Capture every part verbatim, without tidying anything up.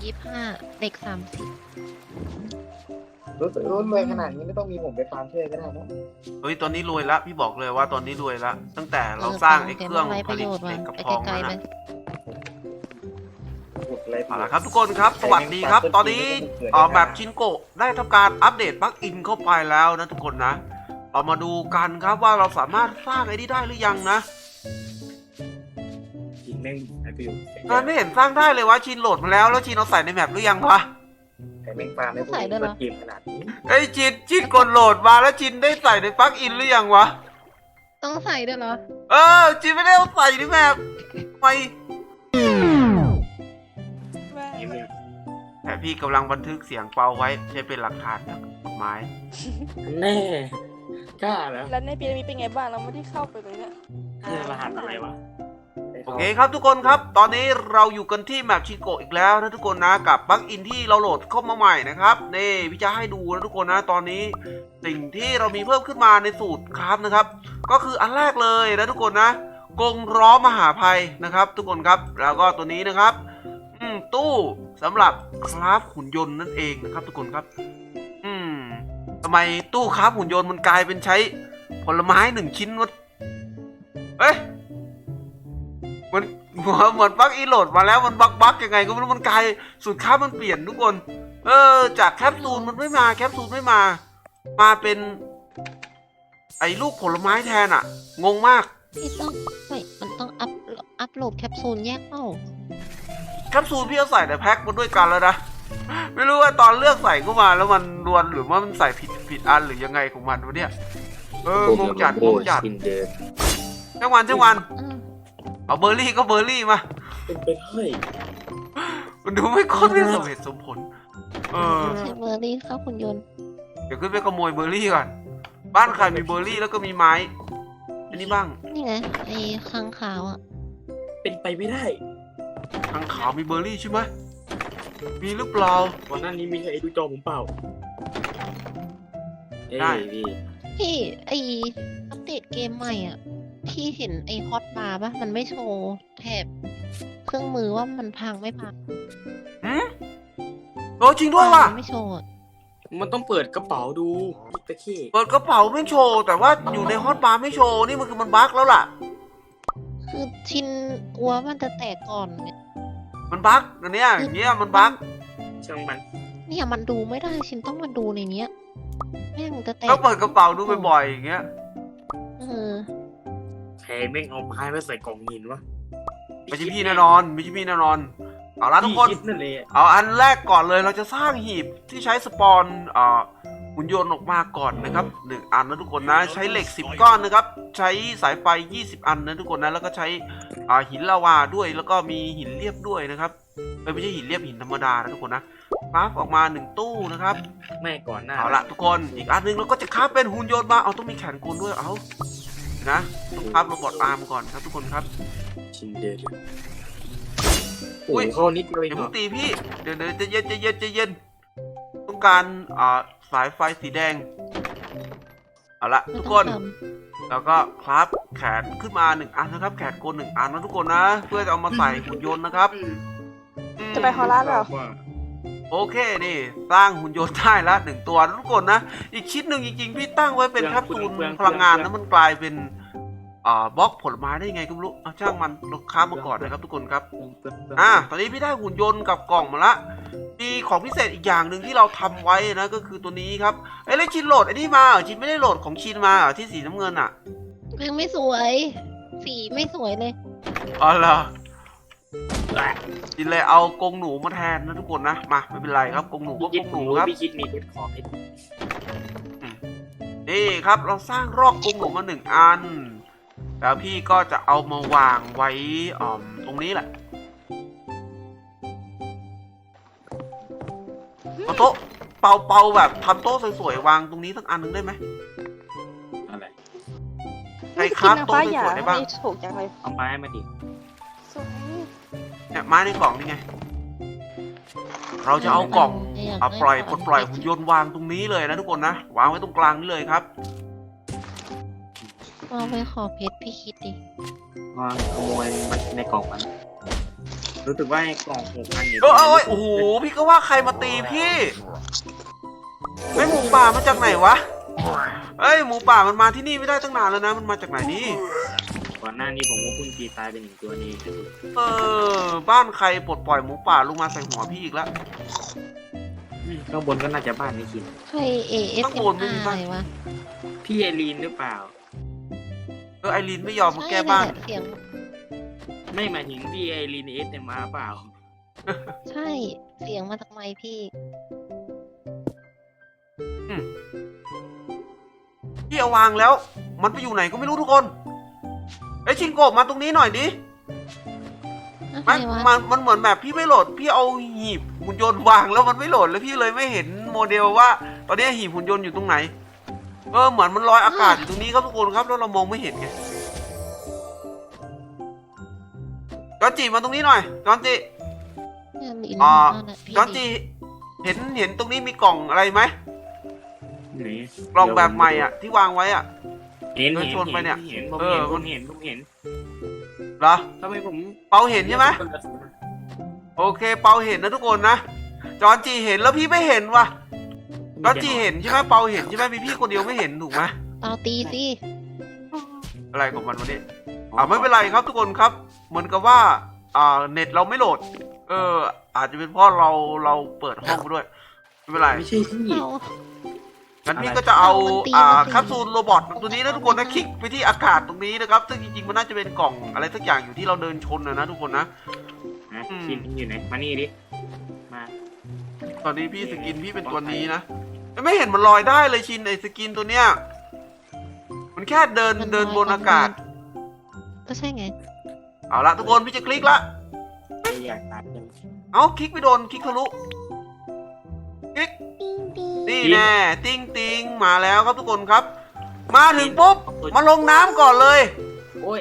ยี่สิบห้าเหล็กสามสิบรู้สึกรู้รวยขนาดนี้ไม่ต้องมีผมไปฟาร์มช่วยก็ได้นะเฮ้ยตอนนี้รวยละพี่บอกเลยว่าตอนนี้รวยละตั้งแต่เราสร้างไอ้เครื่องไรผประลิโยตชน์เหมาล็กกับไปทองไกลนั่นๆเลนะยอะไรเอาละครับทุกคนครับสวัสดีครับ ตอนนี้เอ่อแบบชินโกะได้ทำการอัปเดตปลั๊กอินเข้าไปแล้วนะทุกคนนะเรามาดูกันครับว่าเราสามารถสร้างไอ้นี่ได้หรือยังนะกินแม่งไอ้ประโยชน์มันไม่เห็นสร้างได้เลยวะชินโหลดมาแล้วแล้วชินเอาใส่ในแมปหรือยังวะไอ้แม่งฟาร์มไม่พูดเปิดเกมขนาดนี้ไอ้ยชินชินกดโหลดมาแล้วชินได้ใส่ในปลั๊กอินหรือยังวะต้องใส่ด้วยเหรอเออชินไม่ได้เอาใส่ในแมปทำไมนี่มึงแต่พี่กำลังบันทึกเสียงเปาไว้ใช้เป็นหลักฐานนะกฎหมายแน่กล้าแล้วแล้วในปีนี้เป็นไงบ้างเราไม่ได้เข้าไปเลยเนี่ยคือรหัสอะไรวะโอเคครับทุกคนครับตอนนี้เราอยู่กันที่แมปชิโกะอีกแล้วนะทุกคนนะกับปลั๊กอินที่เราโหลดเข้ามาใหม่นะครับนี่พี่จะให้ดูนะทุกคนนะตอนนี้สิ่งที่เรามีเพิ่มขึ้นมาในสูตรคราฟนะครับก็คืออันแรกเลยนะทุกคนนะกรงล้อมหาภัยนะครับ ทุกคนครับแล้วก็ตัวนี้นะครับอืมตู้สำหรับคราฟหุ่นยนต์นั่นเองนะครับ ทุกคนครับอืมทำไมตู้คราฟหุ่นยนต์มันกลายเป็นใช้ผลไม้หนึ่งชิ้นวะเอ้ยมันเหมือนปลั๊กอินโหลดมาแล้วมันบักบักยังไงก็ไม่รู้มันกลายสูตรคราฟมันเปลี่ยนทุกคนเออจากแคปซูลมันไม่มาแคปซูลไม่มามาเป็นไอ้ลูกผลไม้แทนอ่ะงงมากพี่ต้องไม่มันต้องอัพอัพโหลดแคปซูลแยกเอ้าแคปซูลพี่เอาใส่ในแพ็คมาด้วยกันแล้วนะไม่รู้ว่าตอนเลือกใส่เข้ามาแล้วมันรวนหรือว่ามันใส่ผิดผิดอันหรือยังไงของมันวะเนี่ยเอองงจัดงงจัดช่างวันช่างวันอืมเอาเบอร์รี่ก็เบอร์รี่มาเป็นไปได้มันดูไม่ค่อยไม่สมเหตุสมผลเออใช้เบอร์รี่เข้าหุ่นยนต์เดี๋ยวขึ้นไปขโมยเบอร์รี่ก่อนบ้านใครมีเบอร์รี่แล้วก็มีไม้อันนี้บ้างนี่ไงไอ้ค้างขาวอ่ะเป็นไปไม่ได้ทางขาวมีเบอร์รี่ใช่ไหมมีหรือเปล่าวันนั้นนี้มีใครดูจอผมเปล่าได้พี่พี่ไอ้อัปเดตเกมใหม่อ่ะพี่เห็นไอ้ฮอตบาร์ปะมันไม่โชว์แถบเครื่องมือว่ามันพังไม่พังหืมโอ้จริงด้วยว่ะมันไม่โชว์อะมันต้องเปิดกระเป๋าดูตะขี้เปิดกระเป๋าไม่โชว์แต่ว่าอยู่ในฮอตบาร์ไม่โชว์นี่มันคือมันบั๊กแล้วล่ะคือชินกลัวมันจะแตกก่อนเนี่ยมันบั๊กอันเนี้ยอย่างเงี้ยมันบั๊กช่างมันเนี่ยมันดูไม่ได้ชินต้องมาดูในเนี้ยแม่งจะแตกก็เปิดกระเป๋าดูบ่อยๆอย่างเงี้ยเออใครแม่งเอาไม้มาใส่กล่องหินวะไม่ใช่พี่แน่นอนไม่ใช่พี่แน่นอนเอาละทุกคนพี่ดนั่นเลยอะเอาอันแรกก่อนเลยเราจะสร้างหีบที่ใช้สปอนเอ่อหุ่นยนต์ออกมาก่อนนะครับหนึ่งอันนะทุกคนนะใช้เหล็กสิบก้อนนะครับใช้สายไฟยี่สิบอันนะทุกคนนะแล้วก็ใช้อ่าหินลาวาด้วยแล้วก็มีหินเรียบด้วยนะครับไม่ใช่หินเรียบหินธรรมดานะทุกคนนะคราฟออกมาหนึ่งตู้นะครับแม่ก่อนหน้าเอาละทุกคนอีกอันหนึงเราก็จะคราฟเป็นหุ่นยนต์มาเอาต้องมีแขนกลด้วยเอานะต้องคราฟโรบอทอาร์มก่อนครับทุกคนครับชินเดอร์อุ๊โอ้ยยเข้านิดเดียวเอเดี๋งยวเหรมึองตีพี่เดี๋ยวเดี๋ยวใจะเย็นใจะเย็นใจะเย็นต้องการอ่าสายไฟสีแดงเอาละไม่ทุกต้คองนทแล้วก็คราฟแขนขึ้นมาหนึ่งอันนะครับ แขนกลหนึ่งอันนะทุกคนนะ เพื่อจะเอามาใส่หุ่นยนต์นะครับอืมจะไปฮอลลาร์เหรอโอเคนี่สร้างหุ่นยนต์ได้ละหนึ่งตัวนะทุกคนนะอีกชิ้นหนึ่งจริงๆพี่ตั้งไว้เป็นแคปซูลพลังงานแล้วมันกลายเป็นอ่าบล็อกผลไม้ได้ยังไงก็ไม่รู้เอาช่างมันเราค้ามาก่อนนะครับทุกคนครับ อ่ะตอนนี้พี่ได้หุ่นยนต์กับกล่องมาละมีของพิเศษอีกอย่างหนึ่งที่เราทำไว้นะก็คือตัวนี้ครับเอ้ยแล้วชินโหลดไอ้นี่มาเหรอชินไม่ได้โหลดของชินมาเหรอที่สีน้ำเงินอ่ะำยังไม่สวย สีไม่สวยเลยอ๋อเหรอชินเลยเอากรงหนูมาแทนนะทุกคนนะมาไม่เป็นไรครับกรงหนูก็กคิรดงหหนูนูครับพี่คิดมีเพชรขอเพชรนี่ครับเราสร้างรอกกรงหนูมาหนึ่งอันแล้วพี่ก็จะเอามาวางไว้อ่อตรงนี้แหละเอาโต๊ะเป่าเป่าแบบทำโต๊ะสวยๆวางตรงนี้สักอันหนึ่งได้ไหมอะไรใครครับกินนางฟ้าหยาโต๊ะสวยๆได้บ้างไม่ถูกจังเลยเอาไม้มาดิสวยเนี่ยไม้ในกล่องนี่ไง เราจะเอากล่องยากเอาได้ปล่อยขปลดปล่อยหุ่นยนต์วางตรงนี้เลยนะทุกคนนะวางไว้ตรงกลางนี่เลยครับเอาไปขอเพชรพี่คิดดิวางขโมยมันในกล่องมันรู้สึกว่าไอ้กล่องหกพันเนี่ยเออเอยโอ้โหพี่ก็ว่าใครมาตีพี่ไม่หมูป่ามาจากไหนวะเอ้ยหมูป่ามันมาที่นี่ไม่ได้ตั้งนานแล้วนะมันมาจากไหนนี่ก่อนหน้านี้ผมก็เพิ่งตีตายไปหนึ่งตัวนี้เออบ้านใครปลดปล่อยหมูป่าลงมาใส่หัวพี่อีกแล้วข้างบนก็น่าจะบ้านไม่คิดใคร เอ เอสข้างเอ็บนมไม่อามีร์บ้าอะนไรวะพี่ไอรีนหรือเปล่าเออไอรีนไม่ยอมมาแก้บ้านใช่แหละเสียงไม่หมายถึงพี่ไอรีนเอสเอ็มอาร์เปล่าใช่เสียงมาจากไมค์พี่พี่เอาวางแล้ว มันไปอยู่ไหนก็ไม่รู้ทุกคนไอยชินโกะมาตรงนี้หน่อยดิอะไรมันวะมันมันเหมือนแบบพี่ไม่โหลด พี่เอาหีบหุ่นยนต์วางแล้วมันไม่โหลดแล้วพี่เลยไม่เห็นโมเดลว่า ตอนนี้หีบหุ่นยนต์อยู่ตรงไหน เออเหมือนมันลอยอากาศอยู่ตรงนี้ครับทุกคนครับแล้วเรามองไม่เห็นไงจอนจีมาตรงนี้หน่อยจอนจีเนี่ยมีอ่านั่นแหละพี่จอนจีเห็นเห็นตรงนี้มีกล่องอะไรไหมไหนกล่องแบบใหม่อ่ะที่วางไว้อ่ะเห็นเดินเห็นชนไปเนี่ยเห็นผมเอเห็อนผมเห็นผมเห็นเหรอทำไมผมเปาเห็นใช่ไหมโอเคเปาเห็นนะทุกคนนะจอนจีเห็นแล้วพี่ไม่เห็นว่ะจอนจีเห็นใช่ไหมเปาเห็นใช่ไหมมีพี่คนเดียวไม่เห็นถูกไหมเตาตีสิอะไรของมันวะเนี่ยอ่าไม่เป็นไรครับทุกคนครับ เหมือนกับว่าอ่าเน็ตเราไม่โหลด เออ อาจจะเป็นเพราะเราเราเปิดห้องไปด้วยไม่เป็นไรไม่ใช่ที่เอางั้นพี่ก็จะเอาเอามันตีอ่ามันตีแคปซูลโรบอทตัวนี้นะทุกคนนะคลิกไปที่อากาศตรงนี้นะครับซึ่งจริงๆมันน่าจะเป็นกล่องอะไรสักอย่างอยู่ที่เราเดินชนนะนะทุกคนนะนะอืมชินอยู่ไหนมานี่ดิมาตอนนี้พี่สกินพี่เป็นตัวนี้นะไม่เห็นมันลอยได้เลยชินไอสกินตัวเนี้ยมันแค่เดินมันเดินลอยบนอากาศก็ใช่ไงเอาละทุกคนพี่จะคลิกละไม่อยากตัดจังเอาคลิกไม่โดนคลิกทะลุคลิกติ้งติ้งนี่แน่ติ้งติงมาแล้วครับทุกคนครับ มาถึงปุ๊บมาลงน้ำก่อนเลยโอ้ย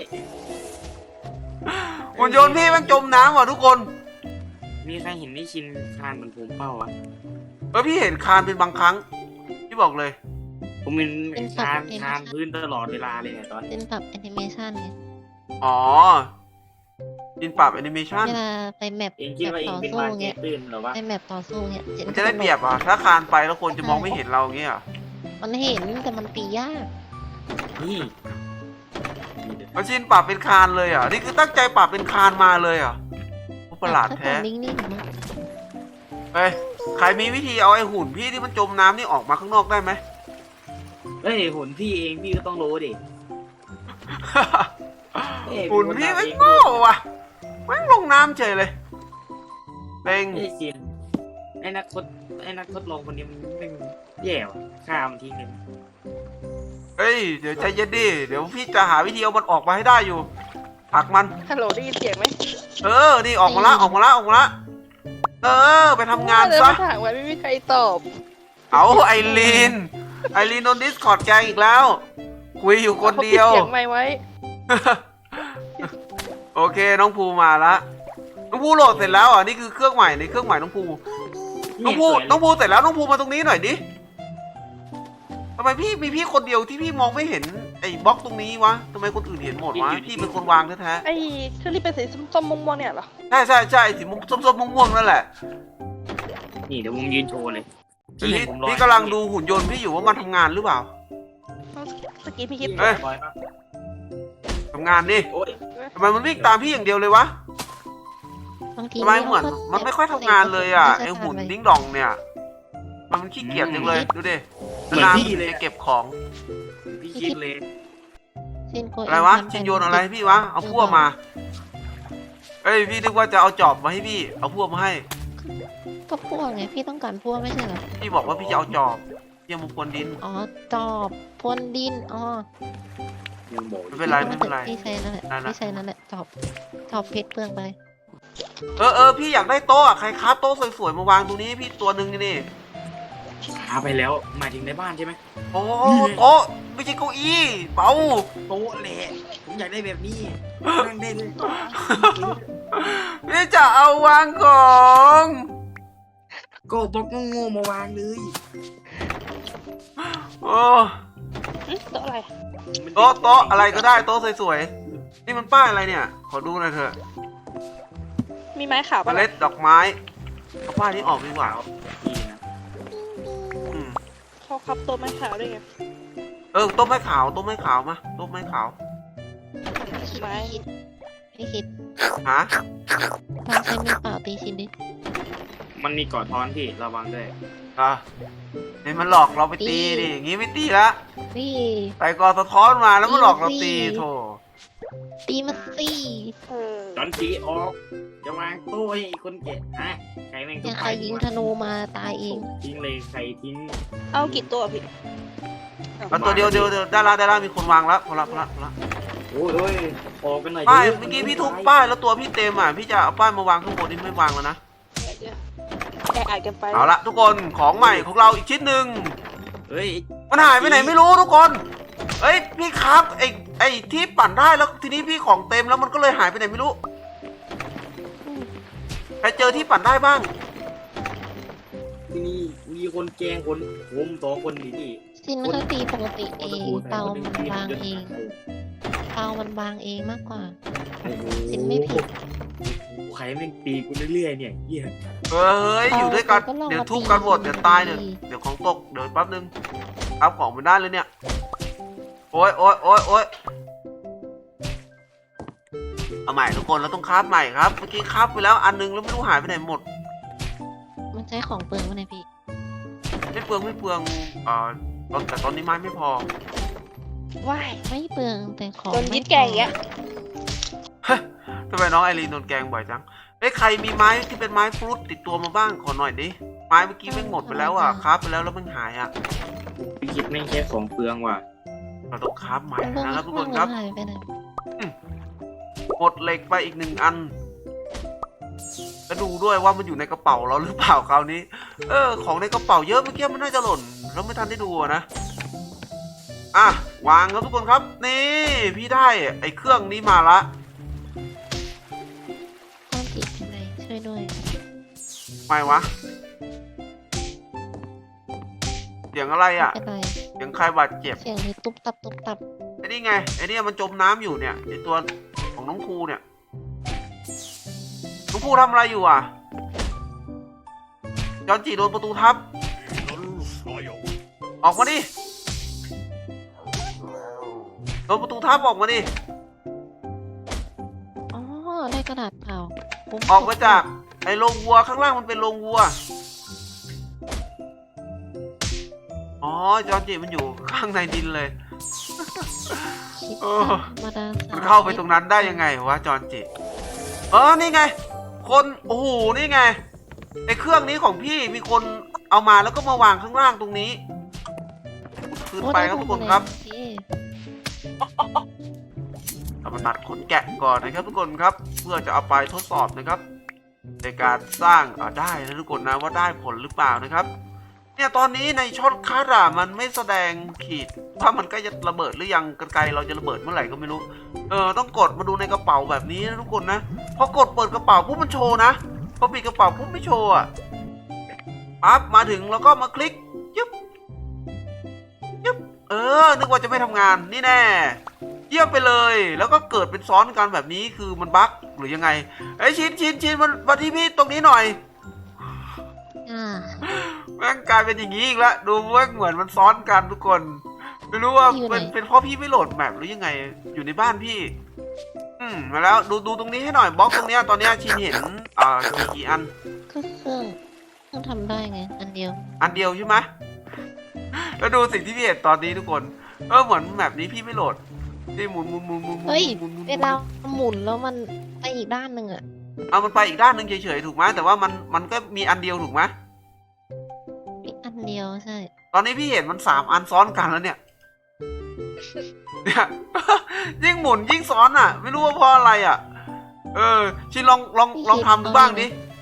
หุ่นยนต์พี่มันจมน้ำว่ะทุกคนมีใครเห็นนี่ชินคานเหมือนผมเป้าวะเออพี่เห็นคานเป็นบางครั้งพี่บอกเลยผมเป็นคานคานพื้นตลอดเวลาเลยเนี่ยตอนเป็นแบบแอนิเมชันไงอ๋อดินปรับแอนิเมชันเวลาไปแมปเองคิดแบบว่าเองต่อเป็นสู้วานแกเงี้ยตื้นเหรอวะไปแมปต่อสู้เงี้ยเจมันจะได้เปรียบอ่ะถ้าคานไปแล้วคนจะมองไม่เห็นเราอย่างเงี้ยเหรอมันเห็นแต่มันตียากนี่มาชินปรับเป็นคานเลยอ่ะนี่คือตั้งใจปรับเป็นคานมาเลยอ่ะโอ้ประหลาดแท้นิ่งๆมั้งเฮ้ยใครมีวิธีเอาไอ้หุ่นพี่ที่มันจมน้ำนี่ออกมาข้างนอกได้ไหมเฮ้ยหุ่นพี่เองพี่ก็ต้องรู้ดิเอ้ยหุ่นพี่ไม่โง่ว่ะแม่งลงน้ำเฉยเลยเต็งไอ้ชินไอ้นักทดไอ้นักทดลองคนนี้มันเป็นแย่ว่ะฆ่ามันทิ้งเลยเฮ้ยเดี๋ยวใจเย็นดิเดี๋ยวพี่จะหาวิธีเอามันออกมาให้ได้อยู่ผลักมันฮัลโหลได้ยินเสียงไหมเออนี่ออกมาละออกมาละออกมาละเออไปทำงานเดินซะมาถามไว้ไม่มีใครตอบเอาไอรีนไอรีนโดนดิสคอร์ดแกงอีกแล้ว คุยอยู่คนเดียวขาปิเสียงไม่ไว้โอเคน้องภูมาละน้องภูโหลดเสร็จแล้วอ่ะนี่คือเครื่องใหม่ในเครื่องใหม่น้องภูน้องภูน้องภูเสร็จแล้วน้องภูมาตรงนี้หน่อยดิทำไมพี่มีพี่คนเดียวที่พี่มองไม่เห็นไอ้บล็อกตรงนี้วะทำไมคนอื่นเห็นหมดวะพี่เป็นคนวางแท้ไอ้เชอรี่เป็นสีส้มๆม่วงๆเนี่ยเหรอๆใช่ใช่ใช่สีส้มๆม่วงๆนั่นแหละนี่เดี๋ยวผมยืนโชว์เลยพี่เห็นผมลอยพี่กำลังดูหุ่นยนต์พี่อยู่ว่ามันทำงานหรือเปล่าสกี้พี่คิดเอ้ยลอยปะทำงานดิโอ้ยทำไมมันวิ่งตามพี่อย่างเดียวเลยวะบางทีทำไมเหมือนก็มันไม่ค่อยทำงานเลยอ่ะม่ไอใช่หุ่นทำะรดิ้งดองเนี่ย มันขี้เกียจจังเลยดูดิเหมือนนานพี่ๆเลยจะอะเก็บของพี่คิดเลยชินโกอะไรวะทำชินโยนอะไรให้พี่วะเอาพวกมาเอ้ยพี่นึกว่าจะเอาจอบมาให้พี่เอาพวกมาให้ก็พวกไงพี่ต้องการพวกไม่ใช่เหรอพี่บอกว่าพี่จะเอาจอบพี่เอามาพรวนดินอ๋อจอบพรวนดินอ๋อยังบอกไม่เป็นไรไม่เป็นไรพี่ใช้นั่นแหละนั่นน่ะพี่ใช้นั่นแหละจอบจอบเพชรเปลืองไปเออเออพี่อยากได้โต๊ะอะใครค้าโต๊ะสวยๆมาวางตรงนี้ให้พี่ตัวหนึ่งนี่นี่หาไปแล้วหมายถึงในบ้านใช่ไหมโอ้โต๊ะไม่ใช่เก้าอี้เปาโต๊ะแหละผมอยากได้แบบนี้นั่งได้เลยพี่จะเอาวางของก็บล็อกโง่ๆมาวางเลยโอ้หึโต๊ะอะไรโต๊ะโต๊ะอะไรก็ได้โต๊ะสวยๆนี่มันป้ายอะไรเนี่ย ขอดูหน่อยเถอะมีไม้ขาวเมปะล็ดดอกไม้เอาป้ายนี้ออกดีกว่าดีนะอืมเขาครับตัวไม้ขาวด้วยไงเออต้มไม้ขาวต้มไม้ขาวมาต้มไม้ขาวไม้พี่คิดฮะลองใช้มือเปล่าตีชินดิมันมีกอดท้อนพี่ระวังด้วยอ่ะเห็นมันหลอกเราไปตีดิอย่างงี้ไม่ตีละนี่ใส่กอสะท้อนมาแล้วมันหลอกเราตีโถตีมาสิเออจอนจีออกจะวางตู้ให้คนเก็บอ่ะใครแม่งอย่าใครยิงธนูมาตายเองทิ้งเลยใครทิ้งเอากี่ตัวพี่เอาตัวเดียวเดียวเดียวได้ละได้ละมีคนวางแล้วพอละพอละพอละโอ้ยโอ้ยออกกันหน่อยป้ายดิเมื่อกี้พี่ทุบป้ายแล้วตัวพี่เต็มอ่ะพี่จะเอาป้ายมาวางข้างบนนี่ไม่วางแล้วนะเดี๋ยวแออัดกันไปเอาละทุกคนของใหม่ของเราอีกชิ้นหนึ่งเฮ้ยมันหายไปไหนไม่รู้ทุกคนเอ้ยพี่ครับไอไอที่ปั่นได้แล้วทีนี้พี่ของเต็มแล้วมันก็เลยหายไปไหนไม่รู้ใครเจอที่ปั่นได้บ้างที่นี่มีคนแกล้งคนผมสองคนดีที่ชินเขาตีปกติเองเตามันบางเองเตามันบางเองมากกว่าโอ้โหสินไม่ผิดใครแม่งตีกูเรื่อยๆเนี่ยเหี้ยเฮ้ยอยู่ด้วยกันเอาก็ลองเดี๋ยวมาทุบตีกันหมดเดี๋ยวตายเดี๋ยวดีเดี๋ยวของตกเดี๋ยวแป๊บนึงเอาของไปได้เลยเนี่ยโอ้ยโอ้ยโอ้ยโอ้ยเอาใหม่ทุกคนเราต้องคราฟใหม่ครับเมื่อกี้คราฟไปแล้วอันนึงแล้วไม่รู้หายไปไหนหมดมันใช้ของเปลืองวะเนี่ยพี่ไม่เปลืองไม่เปลืองเอ่อตอนแต่ตอนนี้ไม้ไม่พอว้ายไม่เปลืองแต่ของโดนไม่ยึดแกงอย่างเงี้ยทำไมน้องไอรีนโดนแกงบ่อยจังเอ้ยใครมีไม้ที่เป็นไม้ฟรุตติดตัวมาบ้างขอหน่อยดิไม้เมื่อกี้แม่งหมดไปแล้วอ่ะคราฟไปแล้วแล้วมันหายอ่ะพี่คิดแม่งแค่ของเปลืองว่ะเราต้องคราฟใหม่มันเพิ่งนะครับทุกคนเพิ่งครับหายไปไหนหมดเหล็กไปอีกหนึ่งอันแล้วดูด้วยว่ามันอยู่ในกระเป๋าเราหรือเปล่าคราวนี้ เออ ของในกระเป๋าเยอะเมื่อกี้มันน่าจะหล่นเราไม่ทันได้ดูอะนะ อ่ะ วางครับทุกคนครับ นี่พี่ได้ไอ้เครื่องนี้มาละต้องติดอะไรช่วยด้วยไม่วะ เสียงอะไรอ่ะเป็นไรเสียงใครบาดเจ็บเสียงนี้ตุ๊บตับตุ๊บตับไอ้นี่ไง ไอ้นี่มันจมน้ำอยู่เนี่ยไอ้ตัวของน้องครูเนี่ย น้องครูทำอะไรอยู่อ่ะ จอนจีโดนประตูทับ ออกมาดิ โดนประตูทับออกมาดิอ๋อได้กระดาษเปล่าผมออกมาจากไอ้โรงวัวข้างล่างมันเป็นโรงวัว อ๋อ จอนจีมันอยู่ข้างในดินเลยคิดเออธรรมดาสมันเข้าไปตรงนั้นได้ยังไงวะจอนจิเออนี่ไง คนโอ้โหนี่ไงไอเครื่องนี้ของพี่มีคนเอามาแล้วก็มาวางข้างล่างตรงนี้ขึ้นไปครับทุกคนครับพี่เรามาตัดขนแกะก่อนนะครับทุกคนครับ เพื่อจะเอาไปทดสอบนะครับ ในการสร้างอ่าได้นะทุกคนนะว่าได้ผลหรือเปล่านะครับ เนี่ยตอนนี้ในช็อตคัทอะมันไม่แสดงขีดว่ามันใกล้จะระเบิดหรือยังกรรไกรเราจะระเบิดเมื่อไหร่ก็ไม่รู้ เออต้องกดมาดูในกระเป๋าแบบนี้นะทุกคนนะพอกดเปิดกระเป๋าปุ๊บมันโชว์นะพอปิดกระเป๋าปุ๊บไม่โชว์อะปั๊บมาถึงแล้วก็มาคลิกยึบยึบเออนึกว่าจะไม่ทำงานนี่แน่เยี่ยมไปเลย แล้วก็เกิดเป็นซ้อนกันแบบนี้คือมันบั๊กหรือยังไงไอ้ยชินชินชินมันมาที่พี่ตรงนี้หน่อยอ่าแม่งกลายเป็นอย่างนี้อีกแล้วดูแม่งเหมือนมันซ้อนกันทุกคนไม่รู้ว่าเป็นเป็นเพราะพี่ไม่โหลดแมปหรือยังไงอยู่ในบ้านพี่ อืมมาแล้วดูดูตรงนี้ให้หน่อยบล็อกตรงเนี้ยตอนเนี้ยชินเห็นอ่ากี่กี่อันก็เครื่องเครื่องทำได้ไง อันเดียวอันเดียวใช่ไหมแล้วดูสิ่งที่พี่เห็นตอนนี้ทุกคนเออเหมือนแมปนี้พี่ไม่โหลดพี่หมุนหมุนหมุนหมุนหมุนเฮ้ยหมุนหมุนเวลาหมุนแล้วมันไปอีกด้านหนึ่งอะเอามันไปอีกด้านหนึ่งเฉยๆถูกไหมแต่ว่ามันมันก็มีอันเดียวถูกไหมอีกอันเดียวใช่ตอนนี้พี่เห็นมันสามอันซ้อนกันแล้วเนี่ยเนี่ย ยิ่งหมุนยิ่งซ้อนอ่ะ ไม่รู้ว่าเพราะอะไรอ่ะ เออชินลองลองลองทำดูบ้างดิ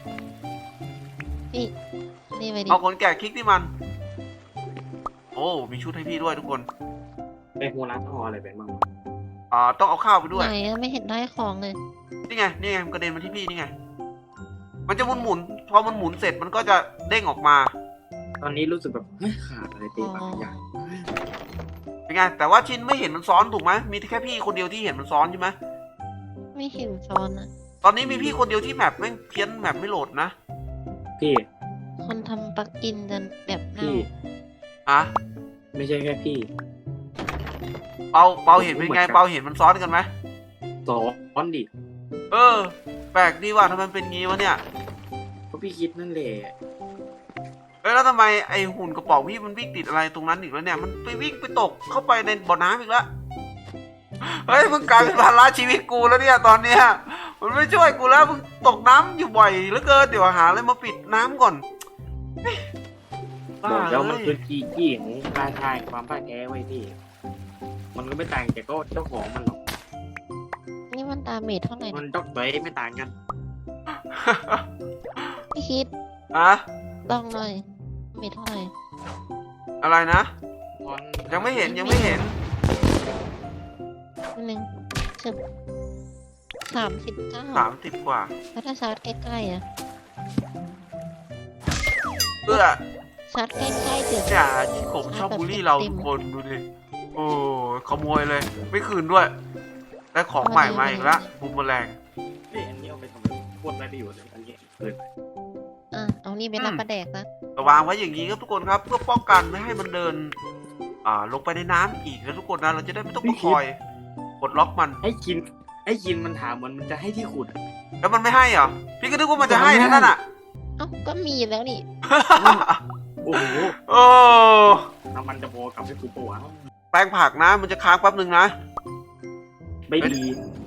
พี่นี่ไปดิเอาขนแกะคลิกที่มัน โอ้มีชุดให้พี่ด้วยทุกคนไปหัวร้านทออะไรไปบ้างวะอ่าต้องเอาข้าวไปด้วยไหนอะไม่เห็นได้ของเลยนี่ไงนี่ไงมันกระเด็นมาที่พี่นี่ไง มันจะหมุนหมุนพอมันหมุนเสร็จมันก็จะเด้งออกมาตอนนี้รู้สึกแบบเฮ้ยขาดอะไรไปบางอย่างเป็นไงแต่ว่าชินไม่เห็นมันซ้อนถูกไหมมีแค่พี่คนเดียวที่เห็นมันซ้อนใช่ไหมไม่เห็นซ้อนอะตตอนนี้มีพี่คนเดียวที่แมปแม่งเพี้ยนแมปไม่โหลดนะพี่คนทำปลั๊กอินจนแบบเน่าพี่อะไม่ใช่แค่พี่เปาเปาเห็นเป็นไงเปาเห็นมันซ้อนกันไหมสอนดิเออ แปลกดีว่ะทำไมมันเป็นงี้วะเนี่ยเพราะพี่คิดนั่นแหละเอ้ยแล้วทำไมไอหุ่นกระป๋องพี่มันวิ่งติดอะไรตรงนั้นอีกแล้วเนี่ยมันไปวิ่งไปตกเข้าไปในบ่อน้ำอีกแล้วเฮ้ยมึงกลายเป็นภาระชีวิตกูแล้วเนี่ยตอนเนี้ยมันไม่ช่วยกูแล้วมึงตกน้ำอยู่บ่อยเหลือเกินเดี๋ยวหาอะไรมาปิดน้ำก่อนเฮ้ยบอกแล้วมันบ้าคืเลอย จีจี้ของการทายความพ่ายแพ้ไว้พี่ มันก็ไม่ต่างจากก็เจ้าของมันหรอกนี่มันดาเมจเท่าไหร่มันนะด็อกเตอร์ไม่ต่างกันพี่คิดอะลองหน่อยเมจเท่าไหร่อะไรนะมันยังไม่เห็นยังไม่เห็นนิดนึงเชิบสามสิบเก้าสามสิบกว่าแล้วถ้าชาร์จใกล้ๆอ่ะเพื่อชาร์จใกล้ๆเดี๋ยวอย่าที่ผมชอบบูลลี่เราทุกคนดูดิโอ้ขโมยเลย ไม่คืนด้วยได้ของใหม่มาอีกแล้วบูมเมอแรงนี่อันนี้เอาไปทำอะไรโคตรได้ประโยชน์เลยอันนี้เกินอ่ะเอานี่ไปรับประแดกนะวางไว้อย่างนี้ครับทุกคนครับ เพื่อป้องกันไม่ให้มันเดิน อ่า ลงไปในน้ำอีกนะทุกคนนะเราจะได้ไม่ต้องมาคอยกดล็อกมันให้กินให้กินมันถามมันมันจะให้ที่ขุดแล้วมันไม่ให้เหรอพี่ก็นึกว่ามันจะให้นะนั่นอ่ะเอ้าก็มีแล้วนี่โอ้โหโอ้น้ำมันจะโบกลับให้กูปะวะแปลงผักนะ มันจะค้างแป๊บหนึ่งนะไม่ดี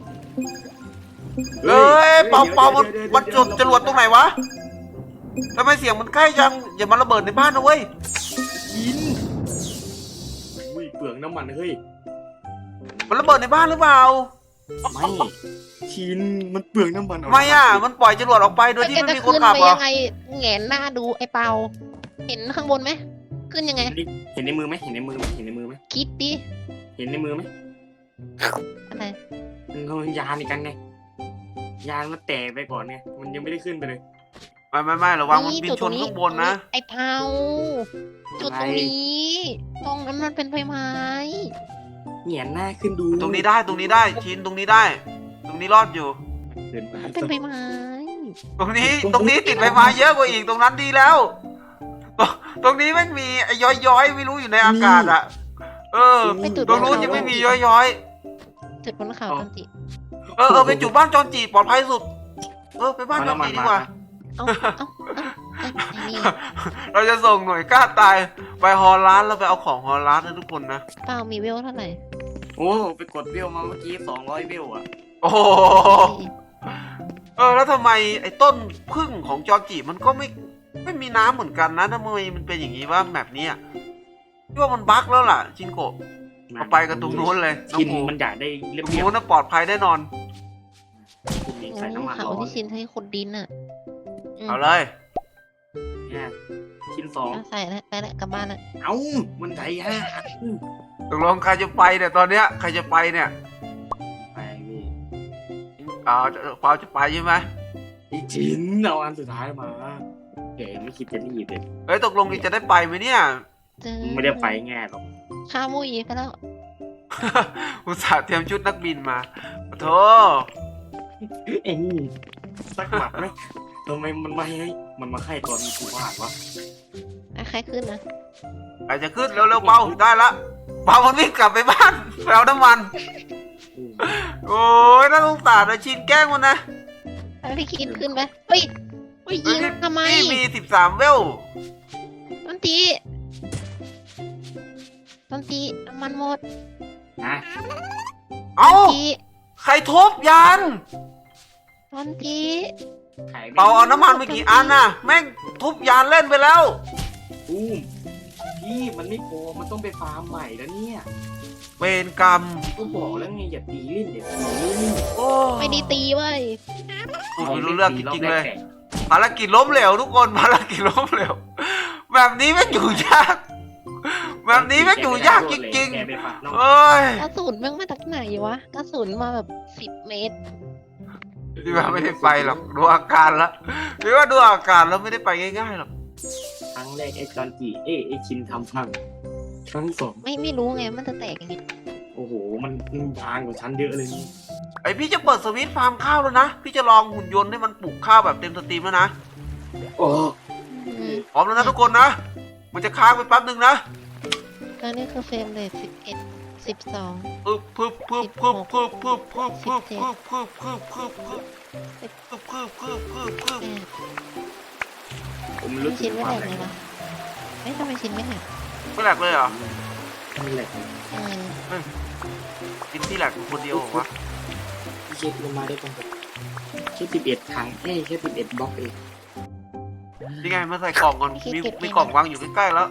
เอ้ยเป่าเป่ามันมันจุดจรวดตรงไหนวะทำไมเสียงมันใกล้จังอย่ามาระเบิดในบ้านนะเว้ยกินอุ้ยเปลืองน้ำมันเฮ้ยมันระเบิดในบ้านหรือเปล่าไม่ชินมันเปลืองน้ำมันทำไมอ่ะมันปล่อยจรวดออกไปโดยที่แกไม่จะมีคขึ้นนขับไปเหรอยังไงแหงนหน้าดูไอ้เปา เห็นข้างบนไหมขึ้นยังไงเห็นในมือไหมเห็นในมือไหมเห็นในมือไหมคิดดิเห็นในมือไหมอะไรมันเอายานอีกกันไงยานมันแตกไปก่อนไงมันยังไม่ได้ขึ้นไปเลยไม่ไม่ไม่ระวังมันบินจุดชตรนงข้างบนนะไอ้เผาจุดตรงนี้ ตรงนั้นมันเป็นใบไม้เหงียนหน้าขึ้นดูตรงนี้ได้ตรงนี้ได้ชินตรงนี้ได้ ตรงนี้รอดอยู่เดินมามันเป็นใบไม้ตรงนี้ตรงนี้ติดใบไม้เยอะกว่าอีกตรงนั้นดีแล้ว ตรงตรงนี้ไม่มีไอ้ย้อยย้อยๆไม่รู้อยู่ในอากาศอ่ะ เออไปจุดตรงนู้นยังไม่มีย้อยย้อยจุดบนเขาจันจิๆเออเออไปจุดบ้านจอนจีปลอดภัยสุด เออไปบ้านจอนจีดีกว่าเอาเอาเอาไอ้ไอ้นี่เราจะส่งหน่วยกล้าตายไปฮอลลานแล้วไปเอาของฮอลลานนะทุกคนนะเปามีเวลเท่าไหร่โอ้ไปกดเวลมาเมื่อกี้สองร้อยเวลอ่ะโอ้โหเออแล้วทำไมไอ้ต้นพึ่งของจอนจีมันก็ไม่ไม่มีน้ำเหมือนกันนะทำไมมันเป็นอย่างนี้ว่าแมปนี้อ่ะพี่ว่ามันบั๊กแล้วล่ะจินโกะเอาไปกันตรงนู้นเลยน้องชินภูมันอยากได้เรียตบรงเรียบนู้นน่ะปลอดภัยแน่นอนคุณเองใส่น้ำมันเขาร้อนที่ชินให้ขุดดินอ่ะอืมเอาเลยเนี่ยชิ้นสองเอาใส่แล้วไปแล้วกลับบ้านแล้วเอ้ามันใจฮะตกลงใครจะไปเนี่ยตอนเนี้ยใครจะไปเนี่ยไปพี่เปล่าจะเปล่าจะไปใช่ไหมอีชิ้นเอาอันสุดท้ายมาแกไม่คิดจะรีบเลยเฮ้ยตกลงนี่จะได้ไปไหมเนี่ยเจอไม่ได้ไปง่ายหรอกข้ามุยไปแล้วอุตส่าห์เตรียมชุดนักบินมาโอ้โธเอ็งสักหมัดไหมทำไมมันมาให้มันมาให้ตอนกูวาดวะอ่ะใครขึ้นนะใครจะขึ้นเร็วๆเปาได้ละเปามันวิ่งกลับไปบ้านไปเอาน้ำมัน โอ้ยน่าสงสารนะชินแกล้งมันนะแล้วพี่คิดขึ้นไปเฮ้ยเฮ้ยยิงทำไมนี่มีสิบสามเวลต้นตีต้นตีน้ำมันหมดนะเอ้าต้นตีใครทุบยานต้นตีขายเปาเอาน้ำมันไปกี่อันน่ะ แม่งทุบยานเล่นไปแล้วตู้มพี่มันไม่พอมันต้องไปฟาร์มใหม่แล้วเนี่ยเวรกรรมก็บอกแล้วไงอย่าตีเล่นอย่าตีเล่นโอ้ไม่ได้ตีเว้ยไม่รู้เรื่องจริงๆเลย ภารกิจล้มเหลวทุกคนภารกิจล้มเหลวแบบนี้แม่งอยู่ยาก แบบนี้แม่งอยู่ยากจริงแกไปฟาร์มๆเอ้ยกระสุนแม่งมาจากไหนวะกระสุนมาแบบสิบเมตรพี่ว่าไม่ได้ไปหรอกดูอาการแล้วพี่ว่าดูอาการแล้วไม่ได้ไปง่ายๆหรอกครั้งแรกไอ้จอนจีเอ้ไอ้ชินทำพังครั้งสองไม่ไม่รู้ไงมันจะแตกยังไงโอ้โหมันมันบางกว่าฉันเยอะเลยนี่ไออพี่จะเปิดสวิตช์ฟาร์มข้าวแล้วนะพี่จะลองหุ่นยนต์ให้มันปลูกข้าวแบบเต็มสตรีมแล้วนะโอ้อืมพร้อมแล้วนะทุกคนนะมันจะค้างไปแป๊บนึงนะแล้วนี่คือเฟรมเรทสิบเอ็ดสิบสองปึ๊บปึ๊บปึ๊บปึ๊บปึ๊บปึ๊บปึ๊บปึ๊บปึ๊บปึ๊บปึ๊บปึ๊บปึ๊บปึ๊บปึ๊บปึ๊บปึ๊บปึ๊บแปดผมไม่ไม่รู้สึชิ้กนไม่ควาแหลมกแรเลงยวะเอ้ยทำไมชิ้นไม่แหลกไม่แหลกเลยเหรอไม่แหลกเออกินที่แหลกคนเดียวเหรอวะพี่เช็คลงมาได้ตรงกับแค่สิบเอ็ดครั้งเอ้ยแค่สิบเอ็ดบล็อกเองนี่ไงมาใส่กล่องก่อนมีมีกล่องวางอยู่ใกล้ๆแล้ว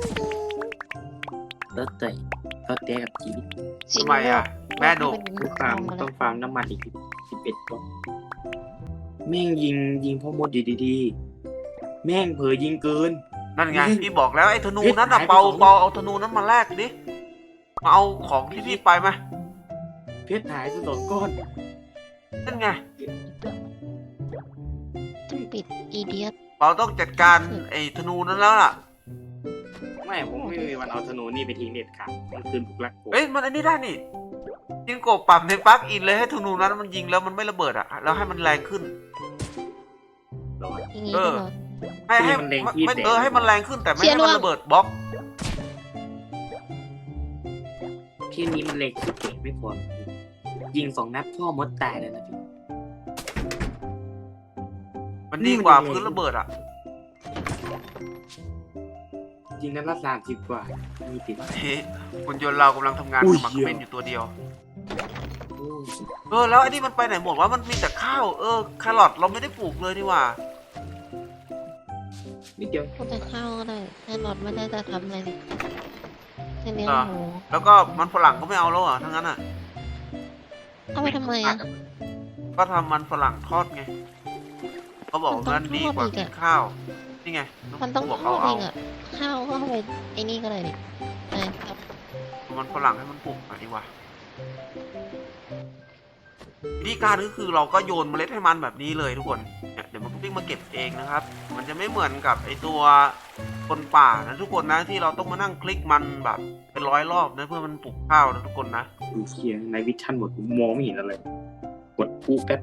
แล้วแต่แล้วแต่กับชีวิตชิ้นทำไมอ่ะแม่ดุต้องฟาร์มต้องฟาร์มน้ำมันอีกสิบเอ็ดบล็อกแม่งยิงยิงพ่อมดอยู่ดีๆแม่งเผลอยิงเกินนั่นไงพี่บอกแล้วไอ้ธนูเฮ้ยนั้นน่ะหายไปเปาสองเปาเอาธนูนั้นมาแลกดิมาเอาของที่พี่ไปไหมเพชรหายไปสองก้อนนั่นไงต้องปิดอีเดียตเปาต้องจัดการไอ้ธนูนั้นแล้วล่ะไม่ผมไม่มีวันเอาธนูนี่ไปทิ้งเด็ดขาดมันคืนบุกลักโกเอ้ยมันอันนี้ได้นี่ยิงกบปรับในปลั๊กอินเลยให้ธนูนั้นมันยิงแล้วมันไม่ระเบิดอ่ะแล้วให้มันแรงขึ้นร้อนอย่างงี้เอก็อเหรอให้ให้ให้มันแรงไม่ขึ้นไม่แต่เออให้มันแรงขึ้นแต่ไม่เชียร์ให้มันร่วงระเบิดบล็อกแค่นี้มันเล็กสุดเก่งไม่พอยิงสองนัดพ่อมดตายแล้วนะพี่มันดีกว่านี่มันพื้นระเบิดอ่ะยิงนัดละสามสิบกว่ามีติดเฮ้ยหุ่นยนต์เรากำลังทำงานอุ้ยหมักเหี้ยเม่นอยู่ตัวเดียวโอ้เออแล้วไอ้นี่มันไปไหนหมดว่ามันมีแต่ข้าวเออแครอทเราไม่ได้ปลูกเลยนี่หว่านิดเดียวพูดแต่ข้าวก็ได้แค่หลอดไม่ได้จะทำอะไรเลยแค่เลี้ยงหมูแล้วก็มันฝรั่งก็ไม่เอาแล้วอ่ะทั้งนั้นอ่ะเอาไปทำไมอ่ะก็ทำมันฝรั่งทอดไงเขาบอกว่านั่นดีกว่ากินข้าวนี่ไงมันต้องบอกทอเอาดเอเอางอ่ะข้าวก็เอาไปไอ้นี่ก็ได้ดิใช่ครับมันฝรั่งให้มันปลูกหน่อยดีกว่าวิธีการก็คือเราก็โยนเมล็ดให้มันแบบนี้เลยทุกคนเนี่ยเดี๋ยวมันก็วิ่งมาเก็บเองนะครับ มันจะไม่เหมือนกับไอตัวคนป่านะทุกคนนะที่เราต้องมานั่งคลิกมันแบบเป็นร้อยรอบนะเพื่อมันปลูกข้าวนะทุกคนนะดูเคียงในวิชั่นหมดผมมองไม่เห็นอะไรกดพูแป๊บ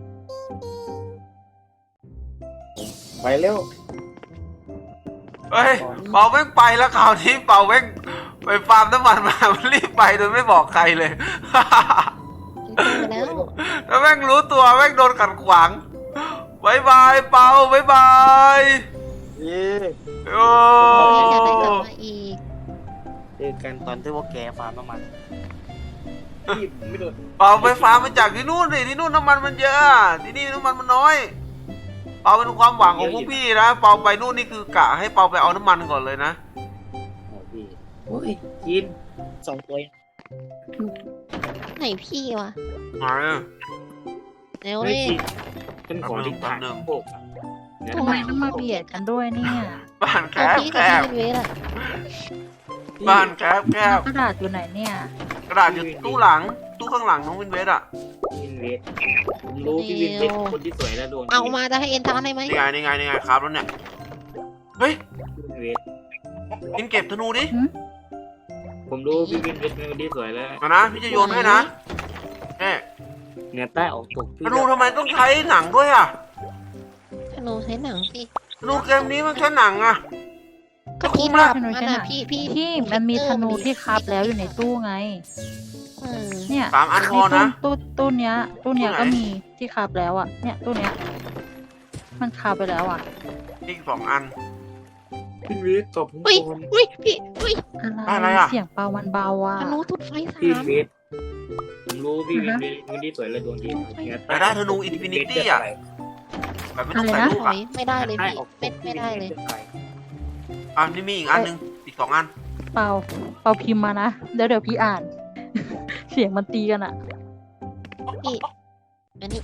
ไปเร็วเฮ้ยเปาแม่งไปแล้วคราวนี้เปาแม่งไปฟาร์มน้ำมันมา มันรีบไปโดยไม่บอกใครเลยมันโตแล้วแล้วแม่งรู้ตัวแม่งโดนขัดขวางบายบายเปาบายบายเย้โอ้พี่อยากได้กลับมาอีกเจอกันตอนที่ว่าแกฟาร์มน้ำมันพี่ไม่โดนเปาไปฟาร์มมาจากที่นู่นดิที่นู่นน้ำมันมันเยอะ ที่นี่น้ำมันมันน้อย เปาเป็นความหวังของพวกพี่นะ เปาไปนู่นนี่คือกะให้เปาไปเอาน้ำมันก่อนเลยนะโอ้พี่โอ้ยกินสองตัวไหนพี่วะมาเร็วเฮ้เลย ยเป็นของที่ผ่านโบกอะทำทำไมต้องมาเบียดกันด้วยเนี่ยบ้านแคเอาบพี่แคกับบ พี่เป็นเวทอะบ้านแคบแคบกระดาษอยู่ไหนเนี่ยกระดาษอยู่ตู้หลัง ตู้ข้างหลังน้องวินเวสอ่ะวินเวทผมรู้พี่วินเวทคนที่สวยและดวงดีเอามาจะให้เอ็นทานได้ไหมนี่ไงนี่ไงนี่ไงครับแล้วเนี่ย เฮ้ยวินเวทกินเก็บธนูดิผมรู้พี่วินเวทเป็นคนที่สวยแล้วมานะพี่จะโยนให้นะเนี่ยเหนือใต้ออกตกพี่ธนูทำไมต้องใช้หนังด้วยอ่ะธนูใช้หนังสิธนูเกมนี้มันใช้หนังอ่ะก็พี่คุ้มละทำมันอะพี่พี่ที่มันมีธนูที่คับแล้วอยู่ในตู้ไงเออเนี่ยสามอันพในอตู้นะตู้ตู้เนี้ย ตู้เนี้ยตู้ไหนก็มีที่คับแล้วอ่ะ เนี่ยตู้เนี้ย มันคับไปแล้วอ่ะอีกสองอันวินเวทตอบผมอุ้ยก่อนอุ้ยพี่อุ้ยอะไรอะเสียงเปามันเบาอ่ะธนูทุดไฟสาพี่วิมนเวทผมรู้พี่วินเวทเป็นคนที่สวยและดวงดีเหนือแต่ได้ธนู Infinity อะ แบบไม่ต้องใส่ลูกถออ่ะยไม่ได้เลยใต้พี่ออกตไม่กไม่ได้เลยอ่ะนี่มีอีกอันหนึงอีกสองอันเปาเปาพิมพ์มานะเดี๋ยวเดี๋ยวพี่อ่าน เสียงมันตีกันอ่ะพี่อันนี้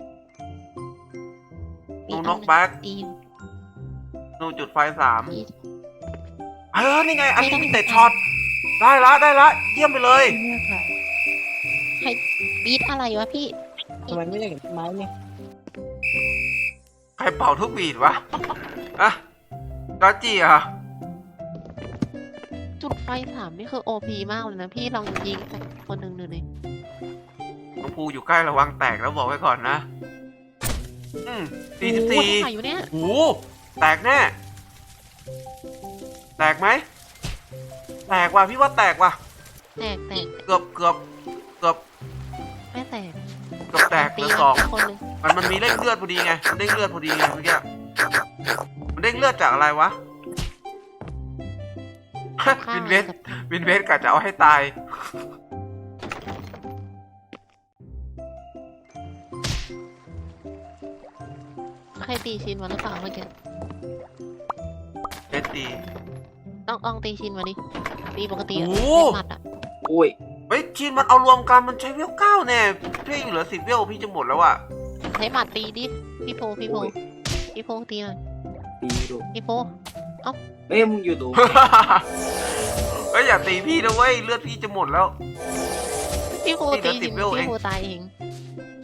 นูน็อกแบ็กตีอยู่นูจุดไฟสามพี่เออนี่ไงอันนี้มีแต่ช็อตได้ละได้ละเยี่ยมไปเลยเลือกอะไรบีทอะไรวะพี่ทำไมไม่ได้เห็นไม้เนี่ยใครเป่าทุกบีดวะอะกาจีอ่ะจุดไฟสามนี่คือโอพีมากเลยนะพี่ลองยิงใส่คนหนึ่งดูดิน้องภูอยู่ใกล้ระวังแตกแล้วบอกไว้ก่อนนะ อืมสี่สิบโอ้โหสี่เท่าไหร่อยู่เนี่ยโอ้โหแตกแน่ แตกไหม แตกว่ะพี่ว่าแตกว่ะแตกแตกเกือบเกือบเกือบไม่แตกเกือบแตกตีเหลือมันสองสักคนหนึ่งมันมันมีเร่งเลือดพอดีไงมันเร่งเลือดพอดีไงเมื่อกี้มันเร่งเลือดจากอะไรวะข้าวิงนเวสกับวินเวสกะจะเอาให้ตายใครตีชินมาหรือเปล่าเมื่อกี้เวสตีต้องต้องตีชินมาดิตีปกติอะโอ้ไม่หมัดอะโอ้ยเฮ้ยชีนมันเอารวมกันมันใช้เวลเก้าแน่พี่อยู่เหลือสิบเวลพี่จะหมดแล้วอ่ะใช้หมัดตีดิพี่โพพี่โพโอ้ยพี่โพตีหน่อยตีดูพี่โพเอ้ยมึงอยู่ตรงเฮ้ยอย่าตีพี่นะเว้ยเลือดพี่จะหมดแล้วพี่โพนี่เหลืตีอสิชิบนเวลเองพี่โพตายเองอ